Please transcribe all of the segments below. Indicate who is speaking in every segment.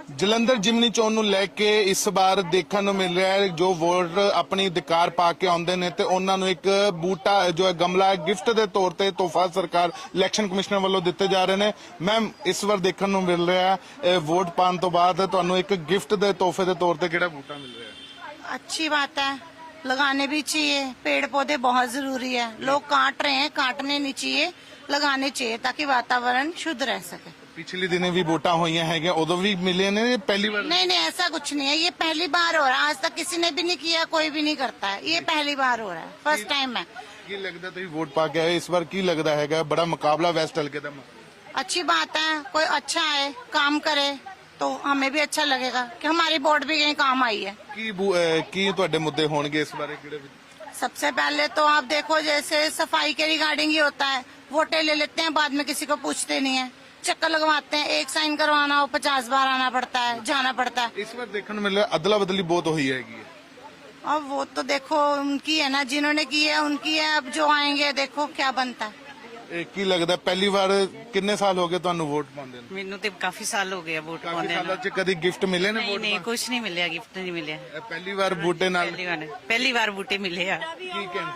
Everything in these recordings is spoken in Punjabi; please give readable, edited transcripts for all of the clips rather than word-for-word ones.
Speaker 1: ਜਲੰਧਰ ਜਿਮਨੀ ਚੋਣ ਨੂੰ ਲੈ ਕੇ ਇਸ ਵਾਰ ਦੇਖਣ ਨੂੰ ਮਿਲ ਰਿਹਾ ਹੈ ਜੋ ਵੋਟ ਆਪਣੀ ਅਧਿਕਾਰ ਪਾ ਕੇ ਆਉਂਦੇ ਨੇ ਤੇ ਉਹਨਾਂ ਨੂੰ ਇੱਕ ਬੂਟਾ ਜੋ ਹੈ ਗਮਲਾ ਗਿਫਟ ਦੇ ਤੌਰ ਤੇ ਤੋਹਫਾ ਸਰਕਾਰ ਇਲੈਕਸ਼ਨ ਕਮਿਸ਼ਨਰ ਵੱਲੋਂ ਦਿੱਤੇ ਜਾ ਰਹੇ ਨੇ। ਮੈਮ ਇਸ ਵਾਰ ਦੇਖਣ ਨੂੰ ਮਿਲ ਰਿਹਾ ਹੈ ਵੋਟ ਪਾਉਣ ਤੋਂ ਬਾਅਦ ਤੁਹਾਨੂੰ ਇੱਕ ਗਿਫਟ ਦੇ ਤੋਹਫੇ ਦੇ ਤੌਰ ਤੇ ਕਿਹੜਾ ਬੂਟਾ ਮਿਲ ਰਿਹਾ ਹੈ?
Speaker 2: अच्छी बात है, लगाने भी चाहिए। पेड़ पौधे बहुत जरूरी है, लोग काट रहे हैं, काटने नहीं चाहिए, लगाने चाहिए ताकि वातावरण शुद्ध रह सके।
Speaker 1: पिछले दिनों भी वोटा हुई हैं उदो भी मिले ने पहली बार?
Speaker 2: नहीं नहीं, ऐसा कुछ नहीं है, ये पहली बार हो रहा है। आज तक किसी ने भी नहीं किया, कोई भी नहीं करता है, ये पहली बार हो रहा है, फर्स्ट टाइम है।
Speaker 1: की लगता तुम वोट पा के आए इस बार की लगता है बड़ा मुकाबला वैस्ट हल्के का?
Speaker 2: अच्छी बात है, कोई अच्छा है काम करे तो हमें भी अच्छा लगेगा कि हमारी वोट भी कहीं काम आई है।
Speaker 1: की तुहाडे मुद्दे होंगे इस बारे?
Speaker 2: सबसे पहले तो आप देखो, जैसे सफाई के रिगार्डिंग ही होता है, वोटें ले लेते हैं, बाद में किसी को पूछते नहीं है, चक्कर लगवाते हैं, एक साइन करवाना हो 50 बार आना पड़ता है, जाना पड़ता है।
Speaker 1: इस बार देखने मिल रहा अदला बदली बहुत हुई है।
Speaker 2: अब वो तो देखो उनकी है ना, जिन्होंने की है उनकी है, अब जो आएंगे देखो क्या बनता है।
Speaker 1: ਕੀ ਲੱਗਦਾ ਪਹਿਲੀ ਵਾਰ ਕਿੰਨੇ ਸਾਲ ਹੋ ਗਏ ਤੁਹਾਨੂੰ ਵੋਟ ਪਾਉਂਦੇ ਨੂੰ?
Speaker 3: ਮੈਨੂੰ ਤੇ ਕਾਫੀ ਸਾਲ ਹੋ ਗਏ ਵੋਟ
Speaker 1: ਕਾਫੀ
Speaker 3: ਪਾਉਂਦੇ
Speaker 1: ਸਾਲਾਂ ਚ ਕਦੀ ਗਿਫਟ ਮਿਲੇ ਨੇ ਵੋਟ?
Speaker 3: ਨਹੀਂ ਕੁਝ ਨਹੀਂ ਮਿਲਿਆ, ਗਿਫਟ ਨਹੀਂ ਮਿਲਿਆ।
Speaker 1: ਪਹਿਲੀ ਵਾਰ ਬੂਟੇ ਨਾਲ
Speaker 3: ਪਹਿਲੀ ਵਾਰ ਬੂਟੇ ਮਿਲੇ ਆ।
Speaker 1: ਕੀ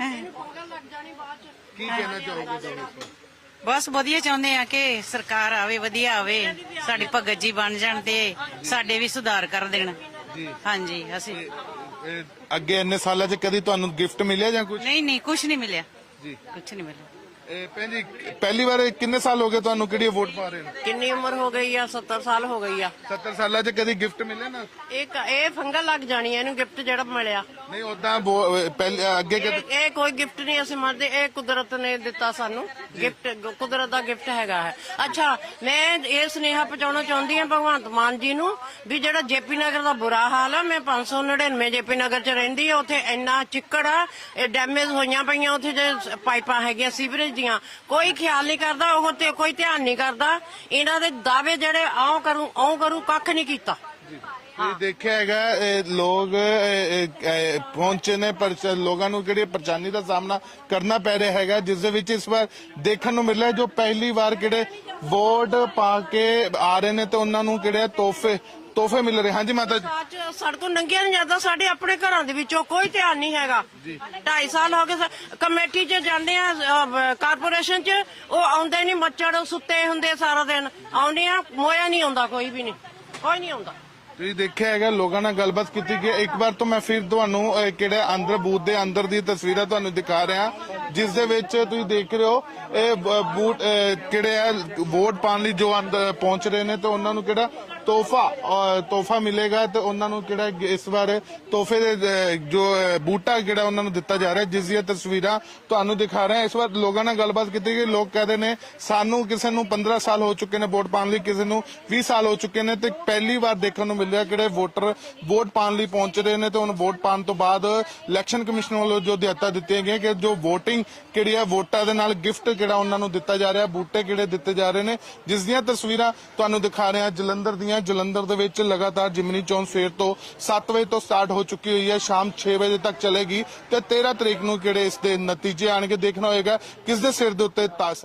Speaker 1: ਕਹਿਣਾ ਚਾਹੋਗੇ ਤੁਸੀਂ?
Speaker 3: ਬਸ ਵਧੀਆ ਚਾਹੁੰਦੇ ਆ ਕਿ ਸਰਕਾਰ ਆਵੇ, ਵਧੀਆ ਆਵੇ, ਸਾਡੀ ਭਗਤ ਜੀ ਬਣ ਜਾਣ ਤੇ ਸਾਡੇ ਵੀ ਸੁਧਾਰ ਕਰ ਦੇਣ। ਹਾਂਜੀ ਅਸੀਂ
Speaker 1: ਅੱਗੇ ਇੰਨੇ ਸਾਲਾਂ ਚ ਕਦੀ ਤੁਹਾਨੂੰ ਗਿਫਟ ਮਿਲਿਆ ਜਾਂ ਕੁਝ?
Speaker 3: ਨਹੀਂ ਕੁਝ ਨਹੀਂ ਮਿਲਿਆ
Speaker 1: ਜੀ,
Speaker 3: ਕੁਝ ਨਹੀਂ ਮਿਲਿਆ।
Speaker 1: ਭੈਣ ਜੀ ਪਹਿਲੀ ਵਾਰ ਕਿੰਨੇ ਸਾਲ ਹੋ ਗਏ ਤੁਹਾਨੂੰ ਕਿਹੜੀ ਵੋਟ ਪਾ ਰਹੇ ਨੇ?
Speaker 4: ਕਿੰਨੀ ਉਮਰ ਹੋ ਗਈ ਆ? 70 ਸਾਲ ਹੋ ਗਈ ਆ।
Speaker 1: 70 ਸਾਲਾਂ ਚ ਕਦੀ ਗਿਫਟ ਮਿਲੇ ਨਾ?
Speaker 4: ਇਹ ਫੰਗਲ ਲੱਗ ਜਾਣੀ ਆ ਇਹਨੂੰ, ਗਿਫਟ ਜਿਹੜਾ ਮਿਲਿਆ।
Speaker 1: ਨਹੀਂ ਉਦਾਂ ਪਹਿਲੇ ਅੱਗੇ
Speaker 4: ਇਹ ਕੋਈ ਗਿਫਟ ਨਹੀਂ ਅਸੀਂ ਮੰਨਦੇ, ਇਹ ਕੁਦਰਤ ਨੇ ਦਿੱਤਾ ਸਾਨੂੰ ਗਿਫਟ, ਕੁਦਰਤ ਦਾ ਗਿਫਟ ਹੈਗਾ ਹੈ। ਅੱਛਾ, ਮੈਂ ਇਹ ਸੁਨੇਹਾ ਪਹੁੰਚਾਉਣਾ ਚਾਹੁੰਦੀ ਹਾਂ ਭਗਵੰਤ ਮਾਨ ਜੀ ਨੂੰ ਵੀ ਜਿਹੜਾ ਜੇਪੀ ਨਗਰ ਦਾ ਬੁਰਾ ਹਾਲ ਆ, ਮੈਂ 599 ਜੇਪੀ ਨਗਰ ਚ ਰਹਿੰਦੀ ਆ, ਉੱਥੇ ਇੰਨਾ ਚਿੱਕੜ ਆ, ਇਹ ਡੈਮੇਜ ਹੋਈਆਂ ਪਈਆਂ, ਉੱਥੇ ਜੇ ਪਾਈਪਾਂ ਹੈਗੀਆਂ ਸੀਵਰੇਜ ਦੀਆਂ, ਕੋਈ ਖਿਆਲ ਨਹੀਂ ਕਰਦਾ, ਉਹ ਤੇ ਕੋਈ ਧਿਆਨ ਨਹੀਂ ਕਰਦਾ। ਇਹਨਾਂ ਦੇ ਦਾਅਵੇ ਜਿਹੜੇ ਆਉਂ ਕਰੂ ਕੱਖ ਨਹੀਂ ਕੀਤਾ।
Speaker 1: ਦੇਖਿਆ ਹੈਗਾ ਲੋਕ ਪਹੁੰਚੇ ਨੇ ਪਰ ਲੋਕਾਂ ਨੂੰ ਕਿਹੜੀ ਪਰੇਸ਼ਾਨੀ ਦਾ ਸਾਹਮਣਾ ਕਰਨਾ ਪੈ ਰਿਹਾ ਹੈਗਾ, ਜਿਸ ਦੇ ਵਿੱਚ ਇਸ ਵਾਰ ਦੇਖਣ ਨੂੰ ਮਿਲਿਆ ਜੋ ਪਹਿਲੀ ਵਾਰ ਕਿਹੜੇ ਵੋਟ ਪਾ ਕੇ ਆ ਰਹੇ ਨੇ ਤੇ ਉਹਨਾਂ ਨੂੰ ਕਿਹੜੇ ਤੋਹਫੇ ਮਿਲ ਰਹੇ। ਹਾਂਜੀ ਮਾਤਾ ਜੀ,
Speaker 4: ਸੜਕੋਂ ਨੰਗਿਆ ਨਹੀਂ ਜਾਂਦਾ, ਸਾਡੇ ਆਪਣੇ ਘਰਾਂ ਦੇ ਵਿੱਚੋਂ ਕੋਈ ਧਿਆਨ ਨਹੀਂ ਹੈਗਾ। 2.5 ਸਾਲ ਹੋ ਗਏ ਕਮੇਟੀ ਚ ਜਾਂਦੇ ਆ, ਕਾਰਪੋਰੇਸ਼ਨ ਚ, ਉਹ ਆਉਂਦੇ ਨਹੀਂ, ਮੱਛੜ ਸੁੱਤੇ ਹੁੰਦੇ ਸਾਰਾ ਦਿਨ, ਆਉਂਦੇ ਆ, ਮੋਇਆ ਨਹੀਂ ਆਉਂਦਾ, ਕੋਈ ਵੀ ਨਹੀਂ, ਕੋਈ ਨਹੀਂ ਆਉਂਦਾ।
Speaker 1: ਤੁਸੀਂ ਦੇਖਿਆ ਹੈਗਾ ਲੋਕਾਂ ਨਾਲ ਗੱਲਬਾਤ ਕੀਤੀ ਗਈ। ਇੱਕ ਵਾਰ ਤੋਂ ਮੈਂ ਫਿਰ ਤੁਹਾਨੂੰ ਕਿਹੜੇ ਅੰਦਰ ਬੂਥ ਦੇ ਅੰਦਰ ਦੀ ਤਸਵੀਰਾਂ ਤੁਹਾਨੂੰ ਦਿਖਾ ਰਿਹਾ, ਜਿਸ ਦੇ ਵਿੱਚ ਤੁਸੀਂ ਦੇਖ ਰਹੇ ਹੋ ਇਹ ਬੂਥ ਕਿਹੜੇ ਆ ਵੋਟ ਪਾਉਣ ਲਈ ਜੋ ਅੰਦਰ ਪਹੁੰਚ ਰਹੇ ਨੇ ਤੇ ਉਹਨਾਂ ਨੂੰ ਕਿਹੜਾ ਤੋਹਫਾ ਮਿਲੇਗਾ ਤੇ ਉਹਨਾਂ ਨੂੰ ਕਿਹੜਾ ਇਸ ਵਾਰ ਤੋਹਫੇ ਦੇ ਜੋ ਬੂਟਾ ਜਿਹੜਾ ਉਹਨਾਂ ਨੂੰ ਦਿੱਤਾ ਜਾ ਰਿਹਾ, ਜਿਸ ਦੀਆਂ ਤਸਵੀਰਾਂ ਤੁਹਾਨੂੰ ਦਿਖਾ ਰਿਹਾ। ਇਸ ਵਾਰ ਲੋਕਾਂ ਨਾਲ ਗੱਲਬਾਤ ਕੀਤੀ ਗਈ, ਲੋਕ ਕਹਿੰਦੇ ਨੇ ਸਾਨੂੰ ਕਿਸੇ ਨੂੰ 15 ਸਾਲ ਹੋ ਚੁੱਕੇ ਨੇ ਵੋਟ ਪਾਉਣ ਲਈ, ਕਿਸੇ ਨੂੰ 20 ਸਾਲ ਹੋ ਚੁੱਕੇ ਨੇ ਤੇ ਪਹਿਲੀ ਵਾਰ ਦੇਖਣ ਨੂੰ ਮਿਲਿਆ ਕਿਹੜੇ ਵੋਟਰ ਵੋਟ ਪਾਉਣ ਲਈ ਪਹੁੰਚ ਰਹੇ ਨੇ ਤੇ ਹੁਣ ਵੋਟ ਪਾਉਣ ਤੋਂ ਬਾਅਦ ਇਲੈਕਸ਼ਨ ਕਮਿਸ਼ਨ ਵੱਲੋਂ ਜੋ ਹਦਾਇਤਾਂ ਦਿੱਤੀਆਂ ਗਈਆਂ ਕਿ ਜੋ ਵੋਟਿੰਗ ਕਿਹੜੀ ਆ ਵੋਟਾਂ ਦੇ ਨਾਲ ਗਿਫਟ ਕਿਹੜਾ ਉਹਨਾਂ ਨੂੰ ਦਿੱਤਾ ਜਾ ਰਿਹਾ, ਬੂਟੇ ਕਿਹੜੇ ਦਿੱਤੇ ਜਾ ਰਹੇ ਨੇ, ਜਿਸ ਦੀਆਂ ਤਸਵੀਰਾਂ ਤੁਹਾਨੂੰ ਦਿਖਾ ਰਹੇ ਹਾਂ ਜਲੰਧਰ ਦੀਆਂ। ਜਲੰਧਰ ਦੇ ਵਿੱਚ ਲਗਾਤਾਰ ਜਿਮਨੀ ਚੋਣ ਸਵੇਰ ਤੋਂ 7 ਵਜੇ ਤੋਂ ਸਟਾਰਟ ਹੋ ਚੁੱਕੀ ਹੋਈ ਹੈ, ਸ਼ਾਮ 6 ਵਜੇ ਤੱਕ ਚੱਲੇਗੀ ਤੇ 13 ਤਰੀਕ ਨੂੰ ਕਿਹੜੇ ਇਸ ਦੇ ਨਤੀਜੇ ਆਣਗੇ। ਦੇਖਣਾ ਹੋਏਗਾ ਕਿਸ ਦੇ ਸਿਰ ਦੇ ਉੱਤੇ ਤਾਜ